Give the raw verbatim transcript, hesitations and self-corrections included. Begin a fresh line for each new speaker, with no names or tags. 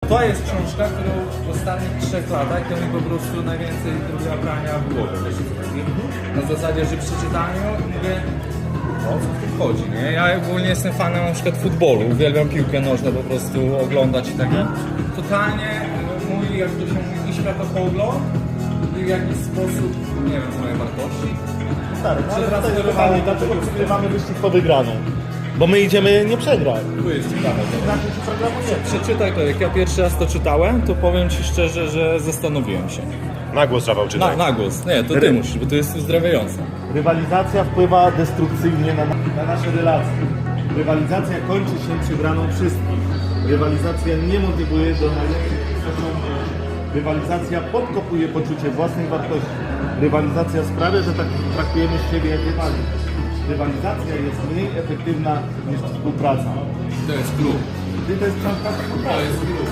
To jest książka, którą w ostatnich trzech latach to mi po prostu najwięcej zrobiła prania w głowie. Na zasadzie, że przeczytałem ją i mówię, o co tu chodzi, nie? Ja ogólnie jestem fanem na przykład futbolu, uwielbiam piłkę nożną po prostu oglądać i tak dalej. Totalnie mój, jak to się mówi, światopogląd i w jakiś sposób, nie wiem, moje wartości.
Stary, no ale
Przepraszam,
to jest
że
pytanie,
mamy-
dlaczego przegrywamy wyścig po wygraną? Bo my idziemy nie przegrać.
Tu jest ciekawe.
Znaczy, że programujemy.
Przeczytaj to, jak ja pierwszy raz to czytałem, to powiem Ci szczerze, że zastanowiłem się.
Na głos, Rafał,
Na,
czytaj.
na głos. Nie, to Ty musisz, bo to jest uzdrawiające.
Rywalizacja wpływa destrukcyjnie na, na nasze relacje. Rywalizacja kończy się przegraną wszystkich. Rywalizacja nie motywuje do najlepszych osiągnięć. Rywalizacja podkopuje poczucie własnej wartości. Rywalizacja sprawia, że tak traktujemy siebie jak rywali. Rywalizacja jest mniej efektywna niż współpraca.
To jest klub.
Ty to jest książka
To
współpracy.
jest klub.